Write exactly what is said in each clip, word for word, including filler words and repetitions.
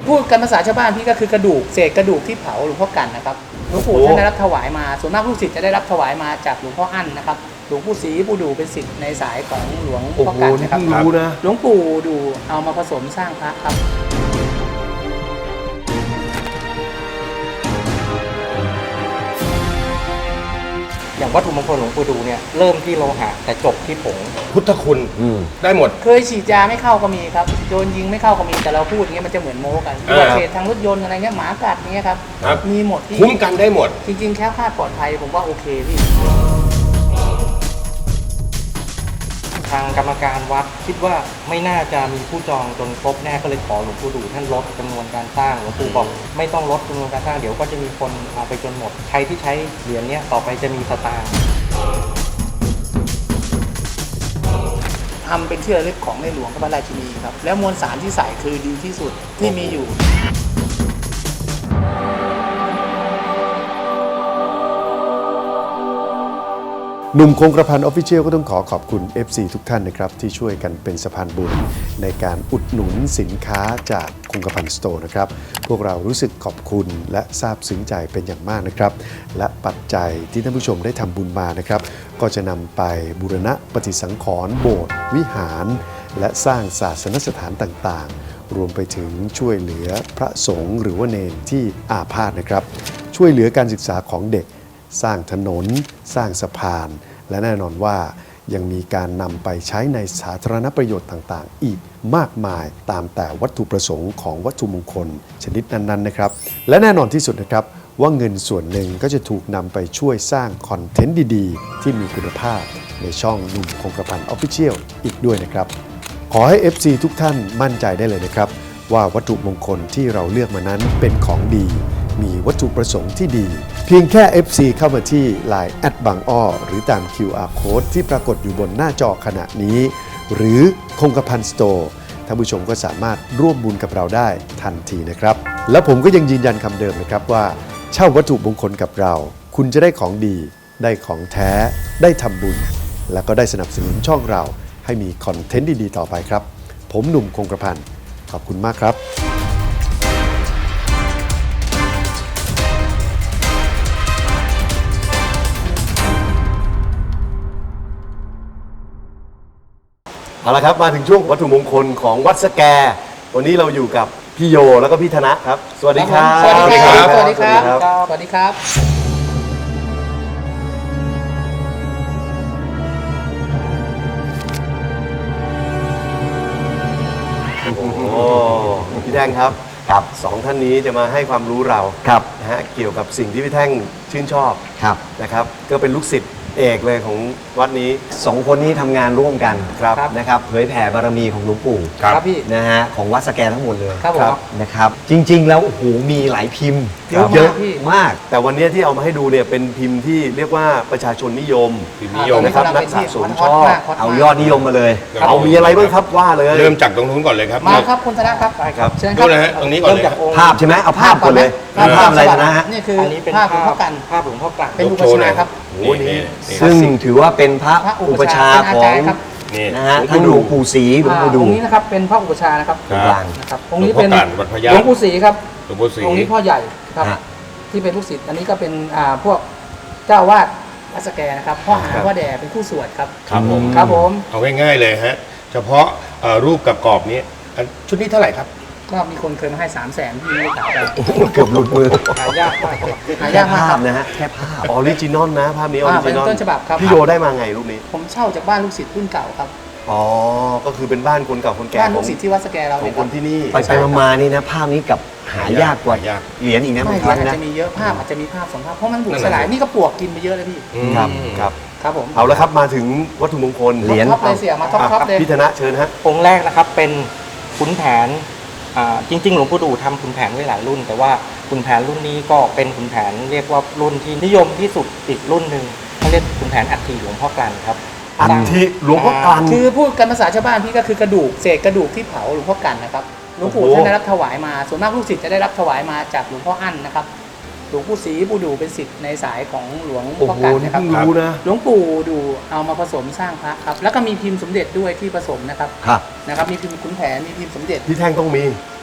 พูดกันภาษาชาวบ้านพี่ก็คือกระดูกเศษกระดูกที่เผาหลวงพ่อกันนะครับหลวงปู่ท่านได้รับถวายมาส่วนมากลูกศิษย์จะได้รับถวายมาจากหลวงพ่ออั้นนะครับหลวงปู่ศรีปู่ดูเป็นศิษย์ในสายของหลวงพ่อกันนะครับหลวงปู่ดูเอามาผสมสร้างพระครับอย่างวัตถุมงคลหลวงปู่ดูเนี่ยเริ่มที่โลหะแต่จบที่ผงพุทธคุณได้หมดเคยฉีดยาไม่เข้าก็มีครับโดนยิงไม่เข้าก็มีแต่เราพูดอย่างเงี้ยมันจะเหมือนโม้กันอุบัติเหตุทางรถยนต์อะไรเงี้ยหมากัดเงี้ยครับมีหมดที่คุ้มกันได้หมดจริงๆแค่คลาดปลอดภัยผมว่าโอเคพี่ทางกรรมการวัดคิดว่าไม่น่าจะมีผู้จองจนครบแน่ก็เลยขอหลวงปู่ดูท่านลดจำนวนการสร้างหลวงปู่บอกไม่ต้องลดจำนวนการสร้างเดี๋ยวก็จะมีคนเอาไปจนหมดใครที่ใช้เหรียญนี้ต่อไปจะมีสตางค์ทำเป็นที่ระลึกของในหลวงพระราชินีครับแล้วมวลสารที่ใส่คือดีที่สุดที่มีอยู่หนุ่มคงกระพันออฟฟิเชียลก็ต้องขอขอบคุณ เอฟ ซี ทุกท่านนะครับที่ช่วยกันเป็นสะพานบุญในการอุดหนุนสินค้าจากคงกระพันสโตร์นะครับพวกเรารู้สึกขอบคุณและซาบซึ้งใจเป็นอย่างมากนะครับและปัจจัยที่ท่านผู้ชมได้ทำบุญมานะครับก็จะนำไปบูรณะปฏิสังขรณ์โบสถ์วิหารและสร้างศาสนสถานต่างๆรวมไปถึงช่วยเหลือพระสงฆ์หรือว่าเณรที่อาพาธนะครับช่วยเหลือการศึกษาของเด็กสร้างถนนสร้างสะพานและแน่นอนว่ายังมีการนำไปใช้ในสาธารณประโยชน์ต่างๆอีกมากมายตามแต่วัตถุประสงค์ของวัตถุมงคลชนิดนั้นๆนะครับและแน่นอนที่สุดนะครับว่าเงินส่วนหนึ่งก็จะถูกนำไปช่วยสร้างคอนเทนต์ดีๆที่มีคุณภาพในช่องหนุ่มคงกระพันออฟฟิเชียลอีกด้วยนะครับขอให้ เอฟ ซี ทุกท่านมั่นใจได้เลยนะครับว่าวัตถุมงคลที่เราเลือกมานั้นเป็นของดีมีวัตถุประสงค์ที่ดีเพียงแค่ เอฟ ซี เข้ามาที่ ไลน์ แอท บางอ้อหรือตาม คิว อาร์ Code ที่ปรากฏอยู่บนหน้าจอขณะนี้หรือคงกระพันสโตร์ท่านผู้ชมก็สามารถร่วมบุญกับเราได้ทันทีนะครับและผมก็ยังยืนยันคำเดิมนะครับว่าเช่าวัตถุมงคลกับเราคุณจะได้ของดีได้ของแท้ได้ทำบุญและก็ได้สนับสนุนช่องเราให้มีคอนเทนต์ดีๆต่อไปครับผมหนุ่มคงกระพันขอบคุณมากครับเอาละครับมาถึงช่วงวัตถุมงคลของวัดสแกวันนี้เราอยู่กับพี่โยแล้วก็พี่ธนะครับสวัสดีครับสวัสดีครับสวัสดีครับสวัสดีครับโอ้พี่แท่งครับครับสองท่านนี้จะมาให้ความรู้เราครับนะฮะเกี่ยวกับสิ่งที่พี่แท่งชื่นชอบครับนะครับก็เป็นลูกศิษย์เอกเลยของวัดนี้สองคนนี้ทำงานร่วมกันครับนะครับเผยแผ่บารมีของหลวงปู่ครับพี่นะฮะของวัดสแกทั้งหมดเลยครับนะครับจริงๆแล้วโอ้โหมีหลายพิมพ์เยอะมากแต่วันนี้ที่เอามาให้ดูเนี่ยเป็นพิมพ์ที่เรียกว่าประชาชนนิยมพิมพ์นิยมนะครับนักสะสมชอบเอายอดนิยมมาเลยเอามีอะไรบ้างครับว่าเลยเริ่มจากตรงนู้นก่อนเลยครับมาครับคุณธนะครับใช่ครับเชิญครับตรงนี้ก่อนเลยภาพใช่ไหมเอาภาพก่อนเลยภาพอะไรนะฮะนี่คือภาพหลวงพ่อกันภาพหลวงพ่อกันเป็นอุปชาครับโอ้นี่ซึ่งถือว่าเป็นพระอุปชาของนะฮะทั้งหลวงปู่ศรีหลวงปู่ดูองค์นี้นะครับเป็นพระอุปชานะครับกลางนะครับองค์นี้เป็นหลวงปู่ศรีครับองค์นี้พ่อใหญ่ครับที่เป็นลูกศิษย์อันนี้ก็เป็นพวกเจ้าวาดวัดสแกนะครับพ่อหาพ่อแด่เป็นผู้สวดครับครับผมครับผมเอาง่ายๆเลยฮะเฉพาะรูปกับกรอบนี้ชุดนี้เท่าไหร่ครับก็มีคนเคยมาให้สามแสนที่ไม่ได้ขายไปเกือบหลุดมือหายากมากหายากมากภาพนะฮะแค่ภาพออริจินอลนะภาพนี้ออริจินอลเป็นต้นฉบับครับพี่โยได้มาไงรูปนี้ผมเช่าจากบ้านลูกศิษย์รุ่นเก่าครับอ๋อก็คือเป็นบ้านคนเก่าคนแก่บ้านลูกศิษย์ที่วัดสแกเราของคนที่นี่ไปไปมาๆนี่นะภาพนี้กับหายากกว่าเหรียญอีกนะไม่อาจจะมีเยอะภาพอาจจะมีภาพสองภาพเพราะมันบุกสลายนี่ก็ปวกกินไปเยอะเลยพี่ครับครับครับผมเอาละครับมาถึงวัตถุมงคลเหรียญท็อปเลยเสียมาท็อปท็อปเลยพี่ธนะเชิญฮะองค์แรกนะครับเป็นขุนแผนจริงๆหลวงปู่ดูทำขุนแผนไว้หลายรุ่นแต่ว่าขุนแผนรุ่นนี้ก็เป็นขุนแผนเรียกว่ารุ่นที่นิยมที่สุดอีกรุ่นหนึ่งเขาเรียกขุนแผนอัฐิหลวงพ่อกลั่นครับอัฐิหลวงพ่อกลั่นคือพูดกันภาษาชาวบ้านพี่ก็คือกระดูกเศษกระดูกที่เผาหลวงพ่อกลั่นนะครับหลวงปู่ท่านได้รับถวายมาส่วนมากลูกศิษย์จะได้รับถวายมาจากหลวงพ่ออั้นนะครับหลวงปู่ศรีปู่ดูเป็นศิษย์ในสายของหลวงพ่อกันนะครับหลวงปู่ดูเอามาผสมสร้างพระครับแล้วก็มีพิมพ์สมเด็จด้วยที่ผสมนะครับนะครับมีพิมพ์ขุนแผนมีพิมพ์สมเด็จที่แท่งต้องมี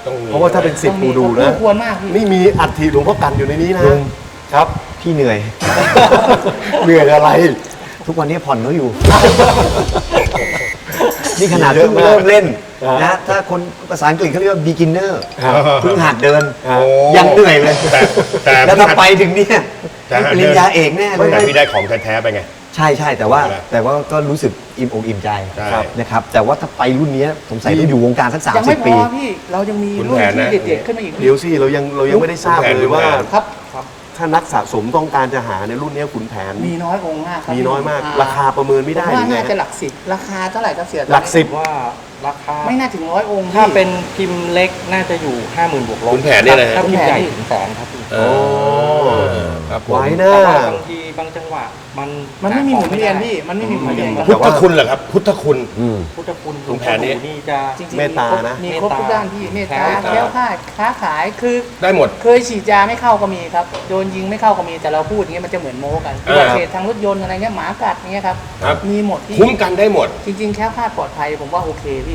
ต้องมีเพราะว่าถ้าเป็นสิทธิ์ปูดูนะควรมากพี่นี่มีอัฐิหลวงพ่อกันอยู่ในนี้นะลุงครับพี่เหนื่อยเหนื่อยอะไรทุกวันนี้ผ่อนเขาอยู่ นี่ขนาดเพิ่งเริ่มเล่นนะถ้าคนภาษาอังกฤษเขาเรียกว่า beginner ครับเพิ่งหัดเดินครับยังเหนื่อยเลยแต่แต่แล้วถ้าไปถึงเนี่ยแต่ปริญญาเอกแน่เลยแต่พี่ได้ของแท้ๆไปไงใช่ใช่แต่ว่าใช่ไหมแต่ว่าก็รู้สึกอิ่มอกอิ่มใจใช่นะครับ แต่ว่าถ้าไปรุ่นเนี้ยสงสัยต้องอยู่วงการสักสามยังสิไม่บพปีอพี่เรายังมีคุณรุ่นแผนที่นะเด็ดๆขึ้นมาอีกเดี๋ยวสิเรายังเรายังไม่ได้ทราบขุนแผนเลยว่าขุนแผนครับถ้านักสะสมต้องการจะหาในรุ่นนี้ขุนแผนมีน้อยองค์มากครับมีน้อยมากอ่ราคาประเมินไม่ได้ผมว่ายังไงน่าจะหลักสิบราคาเท่าไหร่ครับเสียหลักสิบว่าราคาไม่น่าถึงร้อยองค์ถ้าพี่เป็นพิมพ์เล็กน่าจะอยู่ ห้าหมื่น บวกลบขุนแผนเนี่ยนะฮะถ้าพิมพ์ใหญ่ขุนแผนถึงแสนครับพี่โอ้ครับผมไว้นะแต่ว่าบางทีบางจังหวะมันมันไม่มีหมุนเวียนพี่มันไม่มีหมุนเวียนครับพุทธคุณเหรอครับพุทธคุณอืมพุทธคุณขุนแผนนี่นี่จะจริงๆเมตตานะมีครบทุกด้านพี่เมตตาเมตตาแคล้วคลาดค้าขายคือได้หมดเคยฉีดยาไม่เข้าก็มีครับโดนยิงไม่เข้าก็มีแต่เราพูดอย่างเงี้ยมันจะเหมือนโม้กันเอออุบัติเหตุทางรถยนต์อะไรเงี้ยหมากัดเงี้ยครับครับมีหมดพี่คุ้มกันได้หมดจริงๆแคล้วคลาดปลอดภัยผมว่าโอเคพี่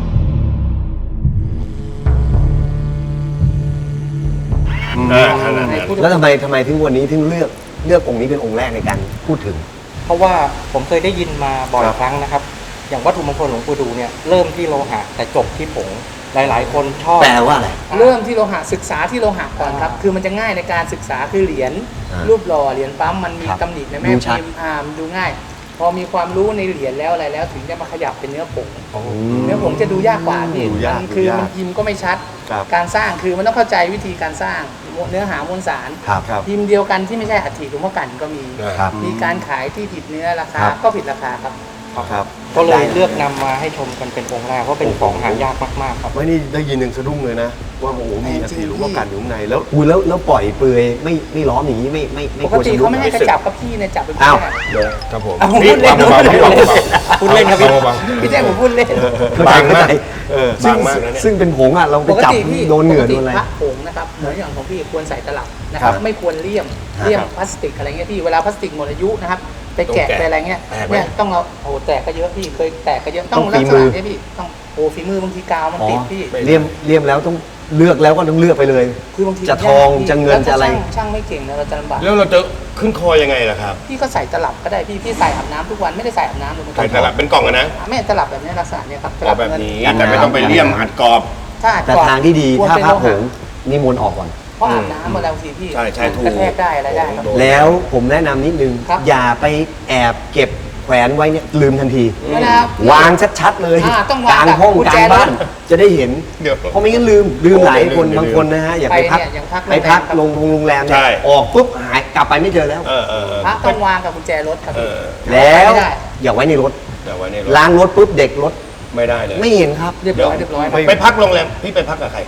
อ่าขนาดนั้นแล้วทำไมทำไมถึงวันนี้ถึงเลือกเลือกองค์นี้เป็นองค์แรกในการพูดถึงเพราะว่าผมเคยได้ยินมาบ่อยครับครั้งนะครับ อย่างวัตถุมงคลหลวงปู่ดูเนี่ยเริ่มที่โลหะแต่จบที่ผงหลาย ๆ คนชอบแปลว่าอะไรเริ่มที่โลหะศึกษาที่โลหะก่อนครับ คือมันจะง่ายในการศึกษาคือเหรียญอ่ารูปหล่อเหรียญปั๊มมันมีครับตำหนิในแม่ดูชัดพิมพ์อ่ามนดูง่าย พอมีความรู้ในเหรียญแล้วอะไรแล้ว ถึงจะมาขยับเป็นเนื้อผงเนื้อผงจะดูยากกว่าพี่ดูยากมันคือดูยากมันพิมพ์ก็ไม่ชัดครับการสร้างคือมันต้องเข้าใจวิธีการสร้างเนื้อหามวลสารครับครับพิมพ์เดียวกันที่ไม่ใช่อัฐิหลวงพ่อกันก็มีครับมีการขายที่ผิดเนื้อราคาครับก็ผิดราคาครับครับก็เลยเลือกนำมาให้ชมกันเป็นองค์แรกเพราะเป็นของหายากมาก ๆ ครับไม่นี่ได้ยินยังสะดุ้งเลยนะ ว่าโอ้โหมีอัฐิหลวงพ่อกันอยู่ข้างในแล้วอุ้ยแล้วแล้วปล่อยเปลือยไม่ไม่ล้อมอย่างนี้ไม่ไม่ไม่ปกกลัวติชำรุเขาดไม่ให้กระจับกับพี่เนี่ยจับเป็นอ้าวแค่ครับผมเอานี่พูดเล่นเบาๆพี่เบาๆพูดเล่นครับพี่เบาพี่แจ้งผมพูดเล่นเข้าใจบางมากเข้าใจเออซึ่งบางมากนะเนี่ยซึ่งเป็นผงอ่ะเราไปปกจับติพี่โดนเหงื่อปกโดตินอะไรพระผงนะครับเหมือนอย่างของพี่ควรใส่ตลับนะคครัรับบ ไม่ควรเลี่ยมครับเลี่ยมพลาสติกอะไรเงี้ยพี่เวลาพลาสติกหมดอายุนะครับไปแกะต้องแกะไปอะไรเงี้ยแตกไหมเนี่ยต้องเอาโอ้แตกก็เยอะพี่เคยแตกก็เยอะต้ต้ออง งฝีลักษมืณะอเนี้ยพี่ต้องโอ้ฝีมือบางทีกาวมันอ๋อติดพี่เลี่ยมเลี่ยมแล้วต้องเลือกแล้วก็ต้องเลือกไปเลยคือบางทีจะทองยากพี่จะเงินแล้วถ้าจะอะไรช่างช่างไม่เก่งนะเราจะลำบากแล้วเราจะขึ้นคอยังไงล่ะครับพี่ก็ใส่ตลับก็ได้พี่พี่ใส่อาบน้ำทุกวันไม่ได้ใส่อาบน้ำเลยมันใส่ตลับเป็นกล่องอะนะไม่ตลับแบบนี้ลักษณะเนี้ยครับตกรลัอบแบบเงินี้กันแต่ไม่ต้องไปเลี่ยมอัดกรอบถ้าอัดแต่กรอบทางที่ดีควรถ้าเป็นพระโลผหะงนิมนต์ออกก่อนเพราะอาบน้ำมาแล้วสิพี่ใช่ใช่ถูกกระแทกได้อะไรได้ครับโดนแล้วผมแนะนำนิดนึงครับอย่าไปแอบเก็บแขวนไว้เนี่ยลืมทันทีเวลาวางชัดๆเลยอ่าต้องกวางลางห้องกับกุญกแจลางบ้านรถจะได้เห็นเดี๋ยวเพราะไม่งั้นลืมลืมหลายคนเดี๋ยวบางคนนะฮะอย่าไปพักไปเนี่ยอย่างพักไปพักโรงแรมครับลงโรงแรมเนี่ใช่ยออกปุ๊บหายกลับไปไม่เจอแล้วเออเออเออพระต้องวางกับกุญแจรถครับเอพี่อแล้วไม่ได้อย่าไว้ในรถเดี๋ยวไว้ในรถล้างรถปุ๊บเด็กรถไม่ได้เลยไม่เห็นครับเรียบร้อยเรียบร้อยครับไปพักโรงแรมพี่ไปพักกับใคร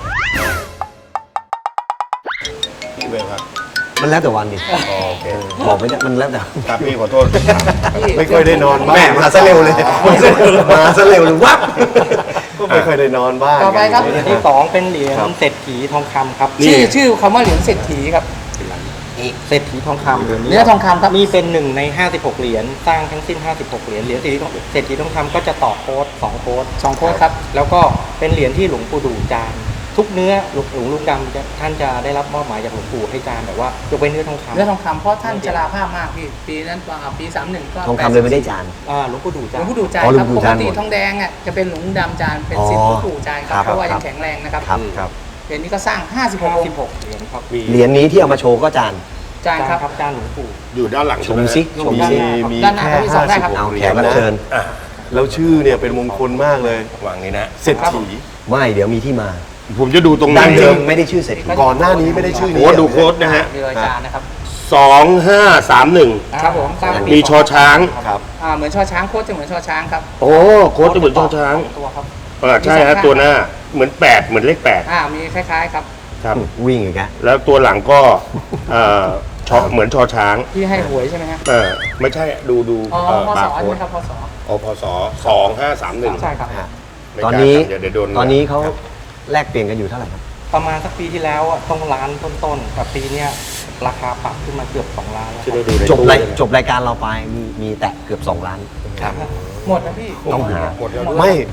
พี่ไปพักมันแล้วแต่วันดิอ๋อโอเคบอกไม่ได้มันแล้วแต่ครับพี่ขอโทษไม่ค่อยได้นอนบ้างแม่มาซะเร็วเลยมาซะเร็วเลยวับก็ไม่ค่อยได้นอนบ้างต่อไปครับเหรียญที่สองเป็นเหรียญเศรษฐีทองคำครับชื่อชื่อคำว่าเหรียญเศรษฐีครับเศรษฐีทองคำเหรียญเนื้อทองคำครับนี่เป็นหนึ่งในห้าสิบหกเหรียญสร้างทั้งสิ้นห้าสิบหกเหรียญเหรียญเศรษฐีทองเศรษฐีทองคำก็จะต่อโค้ดสองโค้ดสองโค้ดครับแล้วก็เป็นเหรียญที่หลวงปู่ดูจานทุกเนื้อหลวงหลวงลุงดำจะท่านจะได้รับมอบหมายจากหลวงปู่ให้จานแบบว่ายกเว้นเนื้อทองคำเนื้อทองคำเพราะท่านชราภาพมากพี่ปีนั้นอ่าปีสามหนึ่งก็ทองคำเลยไม่ได้จานอ่าหลวงปู่ดูหลจานวงปู่ดูจานอ๋อหลคว รังบปู่ปกจานติหมดทองแดงอ่ะจะเป็นหลวงปู่ดำจานเป็นอ๋อสิทธิ์หลวงปู่จานครับครับเพราะว่าครัยับงแข็งแรงนะครับครับครับเหรียญนี้ก็สร้างห้าสิบหห้ากองสิบค์หกเหรียญครับเหรียญนี้ที่เอามาโชว์ก็จานจานครับครับจานหลวงปู่อยู่ด้านหลังชใช่มไหมซิชมมีซิมีด้านหน้าแค่ที่สองได้ครับเอาเหรีแขยกญรับนะเชิญอ่ะแล้วชื่อเนี่ยเป็นมงคลมากเลยวางนี้นะเศรษฐีไม่เดี๋ยวมีที่มาผมจะดูตรงดั้นี้งเดิมไม่ได้ชื่อเศรษฐีก่อนหน้านี้ไม่ได้ชื่อนี้โอ้ดูโค้ดนะฮะมีรอยจานนะครับสองห้าสามหนึ่งครับผมสร้างปีมีชอช้างครับอ่าเหมือนชอช้างโค้ดจะเหมือนชอช้างครับโอ้โค้ดจะเหมือนชอช้างตัวครับเออใช่ฮะตัวหน้าเหมือนแปดเหมือนเลขแปดอ่ามีคล้ายๆครับครับวิ่งอีกแล้วแล้วตัวหลังก็เอ่อชอเหมือนชอช้างที่ให้หวยใช่ไหมฮะเออไม่ใช่ดูดูอ๋อเอ่อพศบาร์ใช่โค้ไหมดครับพศอพศสองห้าสามหนึ่งใช่ครับตอนนี้เดี๋ยวเดี๋ยวโดนตอนนี้เขาครับแลกเปลี่ยนกันอยู่เท่าไหร่ครับประมาณสักปีที่แล้วอะต้องล้านต้นๆแต่ปีเนี้ยราคาปรับขึ้นมาเกือบสองล้านแล้วที่เราดูในจบรายตู้จบรายการเราไปมีมีแตะเกือบสองล้านหมดนะพี่ต้องหาหมดแล้วไม่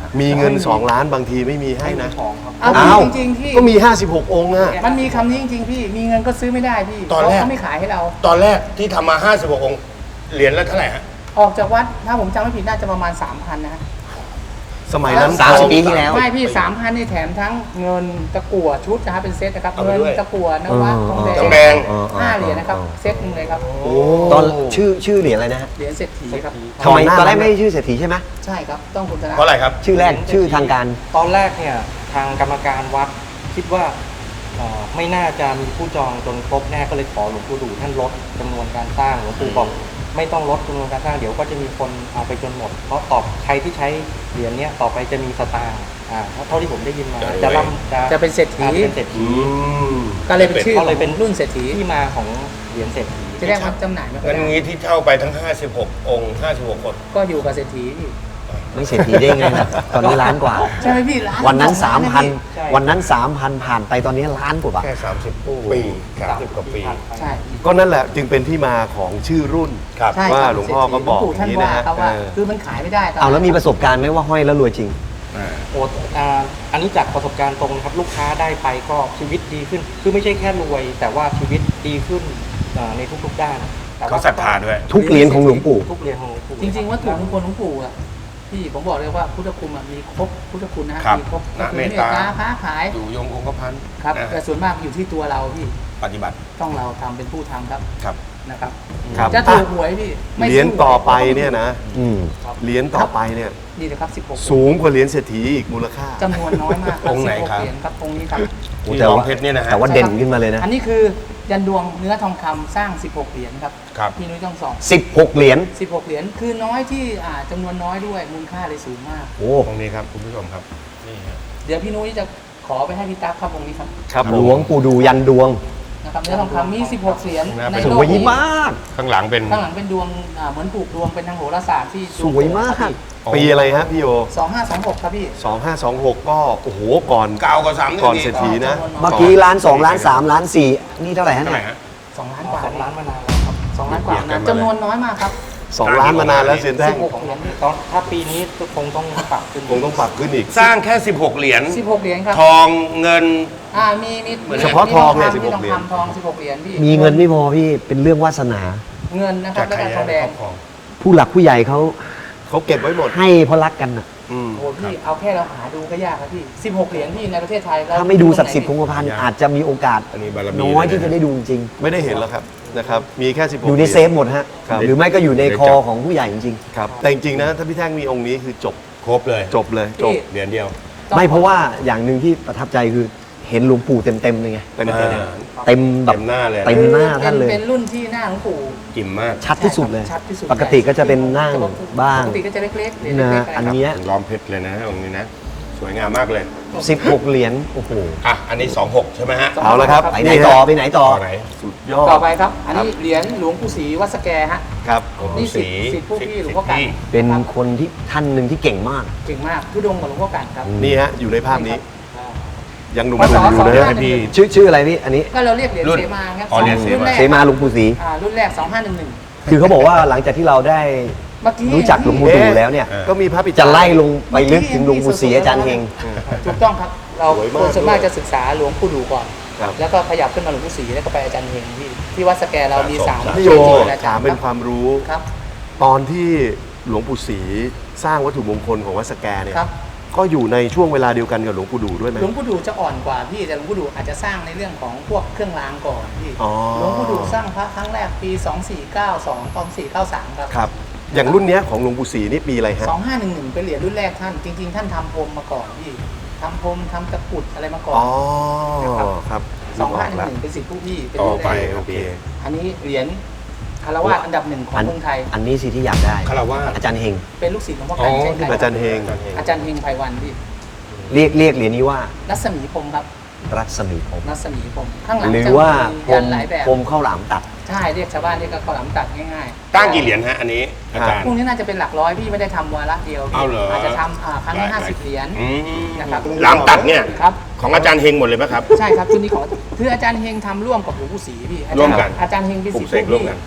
มีเงิน สอง ล้านบางทีไม่มีให้นะของครับเอาอ้าวจริงๆพี่ก็มี ห้าสิบหก องค์อะมันมีคำนี้จริงๆพี่มีเงินก็ซื้อไม่ได้พี่ตอนแรกเขาไม่ขายให้เราตอนแรกที่ทำมา ห้าสิบหก องค์ เหรียญละเท่าไหร่ฮะออกจากวัดถ้าผมจำไม่ผิดน่าจะประมาณ สามพัน นะฮะสมัยนั้นสามสิบทองปีที่แล้วไม่พี่ สามพัน นี่แถมทั้งเงินตะกั่วชุดนะครับเป็นเซตนะครับเอาไปเงินด้วยตะกั่วนวัดทองแดงทองแดงห้าเหรียญนะครับเซตหนึงเลยครับโอ้ตอนชื่อชื่อเหรียญอะไรนะฮะเหรียญเศรษฐีครับทำไมก่อนหน้าตอนแรกนั้นไม่ได้ชื่อเศรษฐีใช่ไหมใช่ครับต้องคุณธนาเพราะอะไรครับชื่อแรกชื่อทางการตอนแรกเนี่ยทางกรรมการวัดคิดว่าเอ่อไม่น่าจะมีผู้จองจนครบแน่ก็เลยขอหลวงปู่ดูท่านลดจำนวนการสร้างหลวงปู่บอกไม่ต้องลดจำนวนการสร้างเดี๋ยวก็จะมีคนเอาไปจนหมด เพราะตอบใครที่ใช้เหรียญเนี้ยต่อไปจะมีสตางค์อ่าเท่าที่ผมได้ยินมาจะรวยจะร่ำจะจะเป็นเศรษฐีอ่าเป็นเศรษฐีอืมก็เลยเป็นชื่อก็เลยเป็นรุ่นเศรษฐีที่มาของเหรียญเศรษฐีจะเรียกว่าจำหน่ายไม่ค่อยงั้นได้งี้ที่เช่าไปทั้ง ห้าสิบหก องค์ ห้าสิบหก คนก็อยู่กับเศรษฐีพี่ไม่เศรษฐีได้ไงนะตอนนี้ล้านกว่าใช่ไหมพี่ร้านวันนั้นสอสาง มล้พันนะพี่วันนั้นสามพันผ่านไปตอนนี้ล้านกว่าบาทแค่ สามสิบ ปี สามสิบ กว่าปีใช่ก็นั่นแหละจึงเป็นที่มาของชื่อรุ่นครับใช่ว่าครับหลวงพ่อก็บอกหลวงปู่ท่านอย่างนี้ว่านะฮะครับว่าเออคือมันขายไม่ได้ตนเอาแล้วมีประสบการณ์ไหมว่าห้อยแล้วรวยจริงโอ้อ่าอันนี้จากประสบการณ์ตรงนะครับลูกค้าได้ไปก็ชีวิตดีขึ้น คือไม่ใช่แค่รวย แต่ว่าชีวิตดีขึ้นอ่าในทุกๆด้านแต่ว่เขาศรัทธาด้วยทุกเหรียญของหลวงปู่ทุกเหรียญของหลวงปู่จริงๆวัตถุมงคลหลวงปู่อะพี่ผมบอกเลยว่าพุทธคุณอะมีครบพุทธคุณนะฮะครับมีครบนะก็คือเมตตาค้าขายอยู่ยงคงกระพันครับนะแต่ส่วนมากอยู่ที่ตัวเราพี่ปฏิบัติต้องเราทำเป็นผู้ทำครับครับนะครับครับจะถูกหวยพี่ไม่เหรียญสู้ต่อไปเนี่ยนะอืมเหรียญต่อไปเนี่ยนี่นะครับสิบหกสูงกว่าเหรียญเศรษฐีอีกมูลค่าจำนวนน้อยมากองค์ไหนครับสิบหกเหรียญครับองค์นี้ครับที่แต่รองว่าเพชรเนี่ยนะฮะแต่ว่าเด่นขึ้นมาเลยนะอันนี้คือยันดวงเนื้อทองคำสร้าง สิบหก เหรียญครับครับพี่นุ้ยต้องสองสิบหกเหรียญสิบหก เหรียญคือน้อยที่อ่าจำนวนน้อยด้วยมูลค่าเลยสูงมากโอ้ตรงนี้ครับคุณผู้ชมครับ นี่ฮะเดี๋ยวพี่นุ้ยจะขอไปให้พี่ตั๊กครับองค์นี้ครับครับหผลมวงปู่ดูยันดวงนะครับเนื้อทองคำมี สิบหก เหรียญน่าไปในสโลวยกนี้มากข้างหลังเป็นข้างหลังเป็นดวงอ่าเหมือนผูกดวงเป็นทางโหราศาสตร์ที่สวยมากปีอะไรฮะพี่โยสองห้าสองหกครับพี่สองห้าสองหกก็โอ้โหก่อนเก้ากว่าสามหนึ่งก่อนนี่เศรษฐีนะเมื่อกี้ล้านสองล้านสามล้านสี่นี่เท่าไหร่ฮะเท่าไหเนี่ร่ยฮะสองล้านกว่าสองล้านมานานแล้วครับสองล้านกว่าเบียดกันนะมาจำนวนน้อยมากครับสองล้านมานานแล้วเซียนแท่งสิบหก เหรียญตอนถ้าปีนี้คงต้องปรับขึ้นคงต้องปรับขึ้นอีกสร้างแค่ สิบหก เหรียญสิบหก เหรียญครับทองเงินอ่ามีมีเหมือนเฉพาะทองเนี่ยมีสิบหกทองเหรียญคำทองสิบหก เหรียญพี่มีเงินไม่พอพี่เป็นเรื่องวาสนาเงินนะครับจากแล้วใครก็ทองแดคงรอบครองผู้หลักผู้ใหญ่เขาเขาเก็บไว้หมดให้เพราะรักกันน่ะอืมโอ้พี่เอาแค่เราหาดูก็ยากครับพี่สิบหก เหรียญพี่ในประเทศไทยเรถ้าไม่ดูศักดิ์สิทธิ์คงกระพันยากอาจจะมีโอกาสอันนี้บารมีน้อยเลยนะที่จะได้ดูจริงไม่ได้เห็นแล้วครับนะครับ มีแค่สิบหๆกอยู่ในเซฟหมดฮะครับหรือไม่ก็อยู่ในคอของผู้ใหญ่จริงครับ แต่จริงๆนะถ้าพี่แท่งมีองค์นี้คือจบครบเลยจบเลยจบเหรียญเดียวๆ ไม่เพราะว่าอย่างหนึ่งที่ประทับใจคือเห็นหลวงปู่เต็มๆเลยไงเต็มอ่าๆเต็มแบบเต็มหน้าเลยเต็มหน้าท่านเลยเป็นรุ่นที่หน้าหลวงปู่กิ่มมากชัดที่สุดเลยชัดที่สุดปกติก็จะเป็นนั่งบ้างปกติก็จะเล็กๆเหรียญนะเล็กๆอันครับเนี้ยล้อมเพชรเลยนะองค์นี้นะ สวยงามมากเลยสิบหกเหรียญโอ้โหอ่ะ อันนี้ สองหก ใช่ไหมฮะเอาละครับไปไหนต่อไปไหนต่อต่อไหนสุดยอดต่อไปครับ อันนี้เหรียญหลวงปู่ศรีวัดสแกฮะครับนี่สิสีสิทธิ์ผู้พี่หลวงพ่อกันเป็นคนที่ท่านหนึ่งที่เก่งมากเก่งมากทุดงกับหลวงพ่อกันครับนี่ฮะอยู่ในภาพนี้อ่ายังหนุ่มพศๆอยู่เลยสองห้านะพี่ชื่อชื่ออะไรพี่ อันนี้ก็เราเรียกเหรียญรุ่นเสมาครับอ๋อเหรียญเสมารุ่นแรกเสมาหลวงปู่ศรีอ่ารุ่นแรกสองห้าหนึ่งหนึ่งคือเขาบอกว่าหลังจากที่เราได้เมื่อกี้รู้จักหลวงปู่ดูแล้วเนี่ยเออก็มีพระปิจะไล่ลงไปลึกถึงหลวงปู่ศรีอาจารย์เฮงถูกต้องครับ เราสวยมากคนส่วนมากจะศึกษาหลวงปู่ดูก่อนครับแล้วก็ขยับขึ้นมาหลวงปู่ศรีแล้วก็ไปอาจารย์เฮงที่ที่วัดสแกเรามีสามพี่โยเกจิอาจาถาร มย์เป็นคครับ วามรู้ครับตอนที่หลวงปู่ศรีสร้างวัตถุมงคลของวัดสแกเนี่ยครับก็อยู่ในช่วงเวลาเดียวกันกับหลวงปู่ดูด้วยไหมหลวงปู่ดูจะอ่อนกว่าพี่แต่หลวงปู่ดูอาจจะสร้างในเรื่องของพวกเครื่องรางก่อนพี่อ๋อหลวงปู่ดูสร้างพระครั้งแรกปีสองสี่เก้าสอง สองสี่เก้าสามครับครับ อย่างรุ่นเนี้ยของหลวงปู่ศรีนี่ปีอะไรฮะสองห้าหนึ่งหนึ่งเป็นเหรียญรุ่นแรกท่าน จริง ๆ ท่านทำพรมมาก่อนพี่ทำพรมทำตะกรุดอะไรมาก่อนอ๋อนะครับครับสองห้าหนึ่งละหนึ่งเป็นสิทธิผู้พี่เป็นต่อรุ่นไปแรกโอเคอันนี้เหรียญคารวะอันดับหนึ่งของอันเมืองไทยอันนี้สิที่อยากได้คารวะอาจารย์เฮงเป็นลูกศิษย์หลวงพ่ออ๋อกันเช่นกันอาจารย์เฮงอาจารย์เฮงไพวันพี่เรียกเรียกเหรียญนี้ว่ารัศมีพรมครับรัศมีผมรัศมีพรมข้างหลังหรือจะว่ามีพรยัมนหลายแบบพรมข้าวหลามตัดใช่เรียกชาวบ้านเรียกก็ข้าวหลามตัดง่ายๆตั้งกี่เหรียญฮะ อันนี้อาจารย์พวกนี้น่าจะเป็นหลักร้อยพี่ไม่ได้ทำวาระเดียวพี่เอาเหรออจจะทำอ่าครั้งละห้าสิบเหรียญอืมนะครับหลามตัดเนี่ยครับของอาจารย์เฮงหมดเลยไหมครับใช่ครับชุดนี้ของคืออาจารย์เฮงทำร่วมกับหลวงปู่ศรีพี่อาจารย์ร่วมกันอาจารย์เฮงเป็นปลุศิกษย์เสกร่วมกัน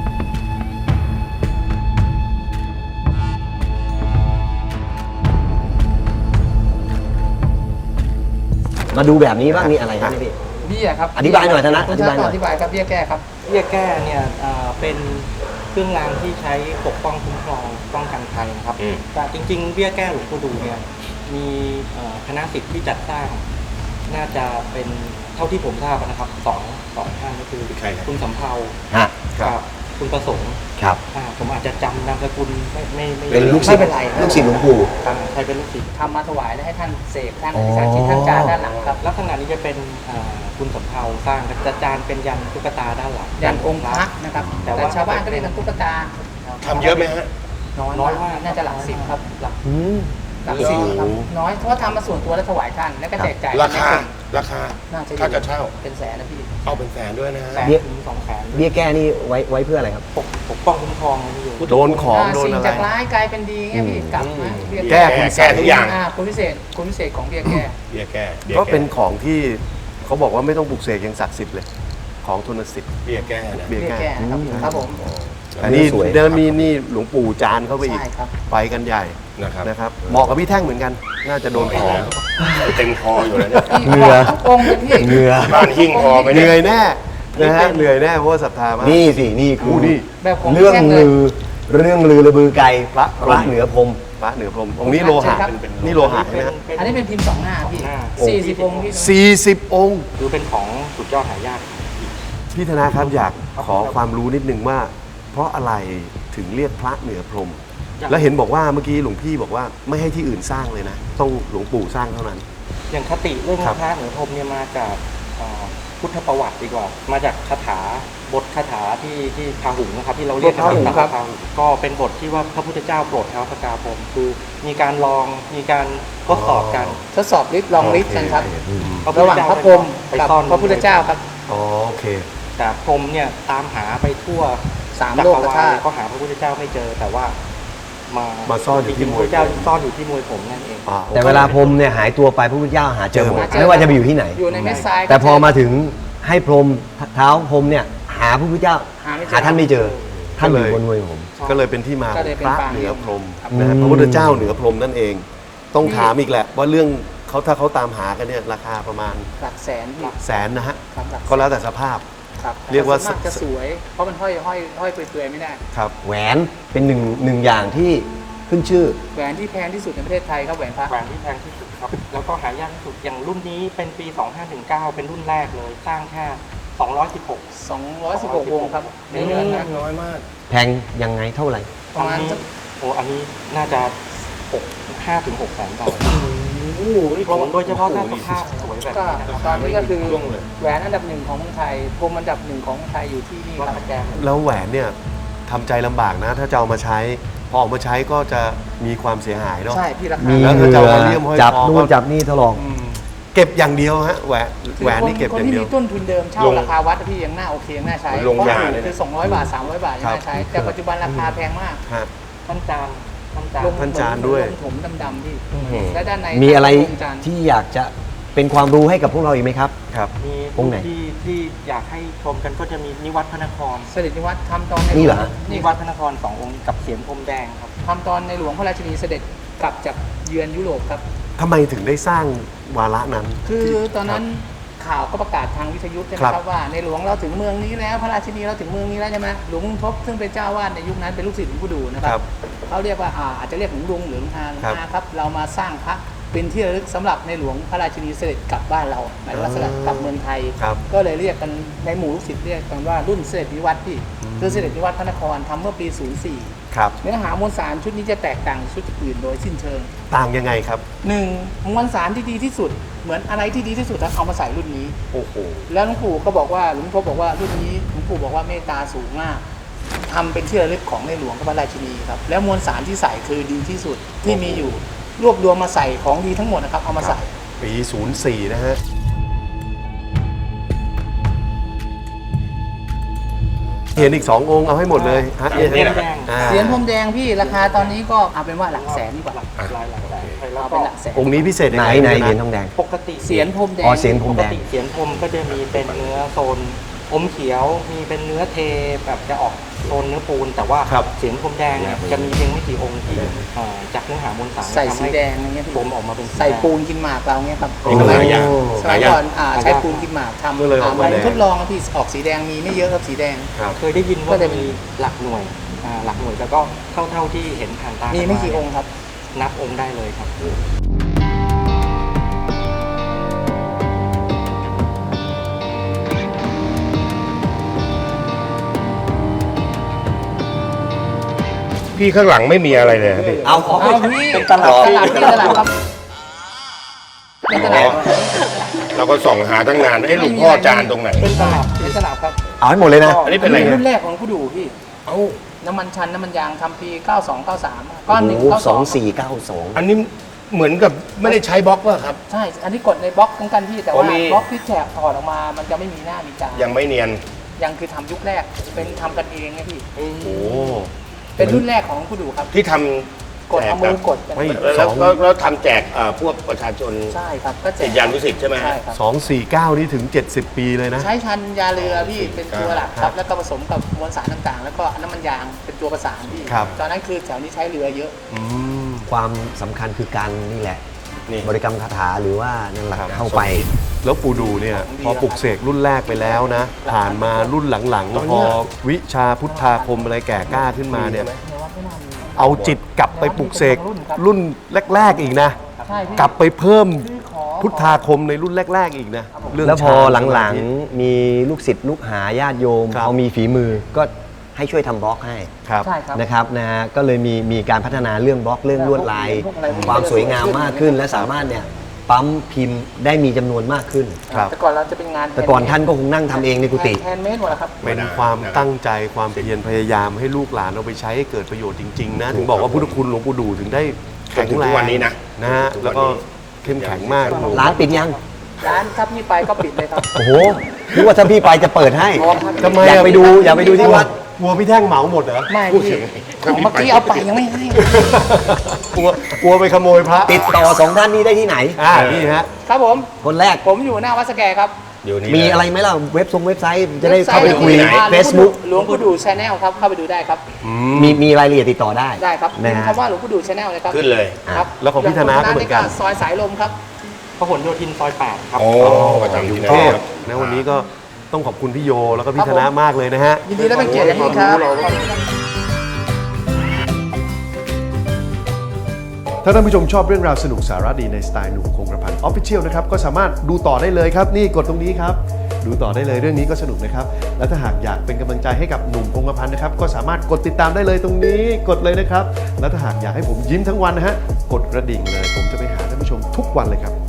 พมาดูแบบนี้บ้างนี่อะไรครับเนี่ยพี่เบี้ยครับอธิบายหน่อยธนะคุณอธิบายหน่อยอธิบายครับเบี้ยแก้ครับเบี้ยแก้เนี่ยเอ่อเป็นเครื่องรางที่ใช้ปกป้องคุ้มครองป้องกันภัยนะครับอืมแต่จริงๆเบี้ยแก้หลวงปู่ดูเนี่ยมีเอ่อคณะศิษย์ที่จัดสร้าง น่าจะเป็นเท่าที่ผมทราบนะครับสองสองท่านก็คือใครครับคุณสำเภาฮะกับคุณประสงค์ครับอ่าผมอาจจะจำนามสกุลไม่ไม่ไม่เป็นลูกศิษย์ไม่เป็นไรลูกศิษย์หลวงปู่อ่าใครเป็นลูกศิษย์ทำมาถวายแล้วให้ท่านเสกท่านอ๋อสาธิตท่านจานด้านหลังครับลักษณะนี้จะเป็นอ่าคุณสำเภาสร้างจะจานเป็นยันตุ๊กตาด้านหลังยันองค์พระนะครับแต่แต่ว่าชาวบ้านก็เรียกกันตุ๊กตาทำเยอะไหมฮะน้อยน้อยมามาก กน่าจะหลักสิบครับหลักอืมหลักสิบครับน้อยเพราะว่าทำมาส่วนตัวแล้วถวายท่านแล้วก็แจกจ่ายราคา ราคาน่าจะถ้าจะเช่าเป็นแสนนะพี่เอาเป็นแสนด้วยนะฮะแสนเบี้ยถึงสองแสนเบี้ยแก้นี่ไว้ไว้เพื่ออะไรครับปกปกป้องคุ้มครองนี่อยู่โดนของอ่าโดนสิ่งอะไรจากร้ายกลายเป็นดีเงี้ยพี่อืมกลับมาเบี้ยแก้คุณแก้ทุกอย่างอ่าคุณพิเศษคุณพิเศษของเบี้ยแก้เบี้ยแก้บี้ยก็เป็นแของที่เขาบอกว่าไม่ต้องปลุกเสกยังศักดิ์สิทธิ์เลย ของทุนสิทธิ์เบี้ยแก้นะเบี้ยเบี้ยแก้แก้นะครับครับผมอันนี้สวยเดินมีนี่หลวงปู่จานเข้าไปอีกใช่ครับไปกันใหญ่นะครับนะครับเหมาะกับพี่แท่งเหมือนกัน น่าจะโดนของเต็มคออยู่แล้วเนี่ยเหงื่อทุกองค์เลยพี่เหงื่อบ้านหิ้งคอไปเหเนี่ยนื่อยแน่นะฮะเหนื่อยแน่เพราะว่าศรัทธามากนี่สินี่คือนี่แบบของเรื่องแท่งเลยลือเรื่องลือระบือไกลพระพระเหนือพรหมพระเหนือพรหมองค์นี้โลหะครับนี่โลหะใช่ไหมฮะอันนี้เป็นพิมพ์สองหน้าพี่สองหน้าสี่สิบองค์พี่สี่สิบองค์คือเป็นของสุดยอดหายากพี่ธนาครับอยากขอความรู้นิดนึงว่า เพราะอะไรถึงเรียกพระเหนือพรหมแล้วเห็นบอกว่าเมื่อกี้หลวงพี่บอกว่าไม่ให้ที่อื่นสร้างเลยนะ ต้องหลวงปู่สร้างเท่านั้นอย่างคติเรื่องครับพระเหนือพรหมเนี่ยมาจากอ่าพุทธประวัติดีกว่า มาจากคาถาบทคาถาที่ที่พาหุงนะครับที่เราเรียกกันบทพาหุงว่าครับพาหุงก็เป็นบทที่ว่าพระพุทธเจ้าโปรดเท้าพระกาพรหมคือมีการลองมีการทดสอบกันทดสอบฤทธิ์ลองฤทธิ์กันครับพพุทระธหว่างเจ้พระพรหมไปกับซ่อนพระพุทธเจ้าครับอ๋อโอเคแต่พรหมเนี่ยตามหาไปทั่วสามจัโลกกรวาธาลตุก็หาพระพุทธเจ้าไม่เจอแต่ว่ามามาซ่อนอยู่ที่จริงๆมพวยระพุทธเจ้าซ่อนอยู่ที่มวยผมนั่นเองอ่าแต่เวลาพรหมเนี่ยหายตัวไปพระพุทธเจ้าหาเจอหมดหาเจอไม่ว่าจะไปอยู่ที่ไหนอยู่ในเม็ดทรายแต่พอมาถึงให้พรหมเท้าพรหมเนี่ยหาพระพุทธเจ้าหาไม่เจอหาท่านไม่เจอ ท่านอยู่บนมวยผมก็เลยเป็นที่มาขก็องเลยเป็นพระปางเหนือพรหมครับนะฮะอืมพระพุทธเจ้าเหนือพรหมนั่นเอง ต้องถามอีกแหละ ว่าเรื่องเขาถ้าเขาตามหากันเนี่ยราคาประมาณหลักแสนพี่แสนนะฮะครับหลักก็แล้วแต่สภาพครับเรียกว่าส่นมจะสวย เพราะมันห้อยห้อยห้อยเปลือยๆไม่ได้ครับแหวนเป็นหนึ่งหนึ่งอย่างที่ขึ้นชื่อแหวนที่แพงที่สุดในประเทศไทยครับแหวนพระแหวนที่แพงที่สุดครับ แล้วก็หายากที่สุดอย่างรุ่นนี้เป็นปี สองห้าหนึ่งเก้า เป็นรุ่นแรกเลย สร้างแค่ สองร้อยสิบหกสองร้อยสิบหกวงครับในเรือนนะน้อยมากแพงยังไงเท่าไหร่ประมาณสักโอ้อันนี้น่าจะหก ห้าถึงหกแสนบาทโดยเฉพาะถ้าสภาพสวยแบบก็นี้นะครับตอนนี้ก็คือช่วงเลยแหวนอันดับหนึ่งของเมืองไทยพรมอันดับหนึ่งของเมืองไทยอยู่ที่นี่วัดครับพระแกงแล้วแหวนเนี่ยทำใจลำบากนะ ถ้าจะเอามาใช้ พอออกมาใช้ก็จะมีความเสียหายเนาะใช่พี่ราคามีแล้วเหก็งื่จะอเอามาเลี่ยมห้อยจับคอนู่ก็นจับนี่ถลอกอืมเก็บอย่างเดียวฮะแหวนแหวนนี่เก็บคอน ย่างที่เดียวมีต้นทุนเดิมเช่าลงราคาวัดอะพี่ยังน่าโอเคยังน่าใช้ลงเพราะยาถูกเลยนะคือสองร้อยบาทสามร้อยบาทยังน่าใช้ แต่ปัจจุบันราคาแพงมากฮะท่านจานท่านจานลงท่านจานด้วยลงถมดำๆพี่และด้านในมีอะไรลงจานที่อยากจะเป็นความรู้ให้กับพวกเราอีกไหมครับครับมีองค์ไหนที่ที่อยากให้ชมกันก็จะมีนิวัฒพระนครเสด็จนิวัฒน์ทำตอนในนี่เหรอฮะนินี่วัฒพระนครสององค์กับเสียนพรมแดงครับทำตอนในหลวงพระราชินีเสด็จกลับจากเยือนยุโรปครับทำไมถึงได้สร้างวาระนั้นคือตอนนั้นข่าวก็ประกาศทางวิทยุใช่ไหมครับครับว่าในหลวงเราถึงเมืองนี้แล้วพระราชินีเราถึงเมืองนี้แล้วใช่ไหมหลวงทบซึ่งเป็นเจ้าวาดในยุคนั้นเป็นลูกศิษย์หลวงปู่ดูนะคครัรับบ เขาเรียกว่าอ่าอาจจะเรียกหลวงลุงหรือหลวงอาหลวงครับอาครับเรามาสร้างพระเป็นที่ระลึกสำหรับในหลวงพระราชินีเสด็จกลับบ้านเราหมายถึงว่าเสด็จกลับเมืองไทยครับก็เลยเรียกกันในหมู่ลูกศิษย์เรียกกันว่ารุ่นเสด็จนิวัฒน์ที่คือเสด็จนิวัฒน์พระนครทำเมื่อปี ศูนย์สี่ครับเนื้อหามวลสารชุดนี้จะแตกต่างชุดอื่นโดยสิ้นเชิงต่างยังไงครับหนึ่งมวลสารที่ดีที่สุด เหมือนอะไรที่ดีที่สุดแล้วเอามาใส่รุ่นนี้โอ้โหแล้วหลวงปู่ก็บอกว่าหลวงพ่อบอกว่ารุ่นนี้หลวงปู่บอกว่าเมตตาสูงมากทำเป็นที่ระลึกของในหลวงพระราชินีครับแล้วมวลสารที่ใส่คือดีที่สุดที่มีอยู่รวบรวมมาใส่ของดีทั้งหมดนะครับเอามาใส่ปี ศูนย์สี่ นะฮะ เห็นอีกสององค์เอาให้หมดเลยฮะเสียนพรมแดงอ่าเสียนพรมแดงพี่ราคาตอนนี้ก็เอาเป็นว่าหลักแสนดีกว่าหลักหลายหลักแสนไปแล้วเอาก็เป็นหลักแสนองค์นี้พิเศษยังไหนไงไหนะเหรียญทองแดงปกติเสียนพรมแดงอ๋อเสียนพรปมกแดงติเสียนพรมก็จะมีเป็นเนื้อโซนอมเขียว มีเป็นเนื้อเทแบบจะออกโซนเนื้อปูน แต่ว่าครับเสียงพรมแดงเนี่ยจะมีเพียงไม่กี่องค์ที่เอ่อจากเนื้อหามวลสารใส่ทำสีให้แดงอย่างเงี้ยพี่ผมออกมาเป็นสีใส่แดงปูนกินหมากเราเงี้ยครับนี่ก็หลายอย่างสหลามัยยอย่าก่งอนอ่าใช้ปูนกินหมากทำก็เลยออกมาอ่าแดงทดลองครับพี่ออกสีแดงมีไม่เยอะครับสีแดงครับเคยได้ยินก็ว่าเลยมีหลักหน่วยอ่าหลักหน่วยแล้วก็เท่าเท่าที่เห็นผ่านตามีมีไม่กี่องค์ครับนับองค์ได้เลยครับพี่ข้างหลังไม่มีอะไรเลยครับพี่เอาของเอาพี่เป็นตลาดตลาดที่ตลาดครับเป็นตลาดเราก็ส่องหาตั้งนานไอ้ยหลวงพ่อจานตรงไหนเป็นตลาดเป็นตลาดครับเอาให้หมดเลยนะอันนี้เป็นอะไรรุ่นนะแรกของผู้ดูพี่เอ้าน้ำมันชันน้ำมันยางทำปีเก้าสอง เก้าสามก้อนหนึ่งโอ้โหเก้าสสออง งสี่เก้าสองอันนี้เหมือนกับไม่ได้ใช้บล็อกป่ะครับใช่ อันนี้กดในบล็อกเหมือนกันพี่แต่อ๋อว่ามีบล็อกที่แฉกถอดออกมามันจะไม่มีหน้ามีตายังไม่เนียนยังคือทำยุคแรกเป็นทำกันเองไงพี่โอ้เป็นรุ่นแรกของผู้ดูครับที่ทำกดเอามือกดไม่แล้วแล้วแล้วทำแจกเอ่อพวกประชาชนใช่ครับก็แจสิกทธิยานุสิทธิ์ใช่ไหมฮะใช่ครับสองสี่เก้านี่ถึงเจ็ดสิบปีเลยนะใช้ชันยาเรือพี่เป็นตัวหลักคครัรับ บแล้วก็ผสมกับมวลสารต่างๆ แล้วก็น้ำมันยางเป็นตัวประสานพี่ครับตอนนั้นคือแถวนี้ใช้เรือเยอะอืมความสำคัญคือการนี่แหละนี่บริกรรมคาถาหรือว่านั่นแหละครับเข้าไปแล้วปูดูเนี่ยของดีพอปลุกเสกรุ่นแรกไปแล้วนะ ผ่านมารุ่นหลังๆ พอวิชาพุทธาคมอะไรแก่กล้าขึ้นมาเนี่ย เอาจิตกลับไปปลุกเสกรุ่นแรก ๆ อีกนะใช่พี่กลับไปเพิ่มคือขอพุทธาคมในรุ่นแรก ๆ อีกนะเรื่งแล้วพอฌานหลังสมาธิๆมีลูกศิษย์ลูกหาญาติโยมครับเขามีฝีมือก็ให้ช่วยทำบล็อกให้ครับใช่ครับนะครับนะฮะก็เลยมีมีการพัฒนาเรื่องบล็อกเรื่องลวดลายพวกอะไรพวกนี้ความสวยงามมากขึ้น และสามารถเนี่ยปั๊มพิมพ์ได้มีจำนวนมากขึ้นครับแต่ก่อนเราจะเป็นงานแต่ก่อนท่านก็คงนั่งทำเองในกุฏิแฮนด์เมดหมดแล้วครับเป็นความตั้งใจความเพียรพยายามให้ลูกหลานเอาไปใช้ให้เกิดประโยชน์จริง ๆ นะ ถึงบอกว่าพุทธคุณหลวงปู่ดูถึงได้แข็งจนถึงแรทุงกวันนี้นะนะฮะจนถึงทุกวันนี้แล้วก็เข้มแข็งมากร้านปิดยังร้านถ้าพี่ไปก็ปิดเลยครับโอ้โหนึกว่าถ้าพี่ไปจะเปิดให้ทำไมอยากอะไปดูอยากไปดูที่วัดกลัวพี่แท่งเหมาหมดเหรอไม่พี่ของเมื่อกี้เอาไปยังไม่ให้กลัวกลัวไปขโมยพระติดต่อสองท่านนี้ได้ที่ไหนอ่านี่ฮะครับผมคนแรกผมอยู่หน้าวัดสแกครับเดี๋ยวนี้มีอะไรไหมล่ะเว็บทรงเว็บไซต์จะได้เข้าไปคุยว็บซต์ Facebook หลวงปู่ดูชาแนลครับเข้าไปดูได้ครับมีมีรายละเอียดติดต่อได้ได้ครับนะพิมพ์ฮะคำว่าหลวงปู่ดูชาแนลเลยครับขึ้นเลยครับแล้วของพี่ธนาก็เหมือนกันซอยสายลมครับพหลโยธินซอยแปดครับโอ้ประจำกอยู่รุงในเทพครับนะวันนี้ก็ต้องขอบคุณพี่โยแล้วก็พี่คธรับผมนามากเลยนะฮะยินดีและเป็นเกียรติอย่างยิ่งครับถ้าท่านผู้ชมชอบเรื่องราวสนุกสาระดีในสไตล์หนุ่มคงกระพันออฟฟิเชียลนะครับก็สามารถดูต่อได้เลยครับ นี่กดตรงนี้ครับ ดูต่อได้เลยเรื่องนี้ก็สนุกนะครับ และถ้าหากอยากเป็นกำลังใจให้กับหนุ่มคงกระพันนะครับก็สามารถกดติดตามได้เลยตรงนี้กดเลยนะครับ และถ้าหากอยากให้ผมยิ้มทั้งวันนะฮะกดกระดิ่งเลย ผมจะไปหาท่านผู้ชมทุกวันเลยครับ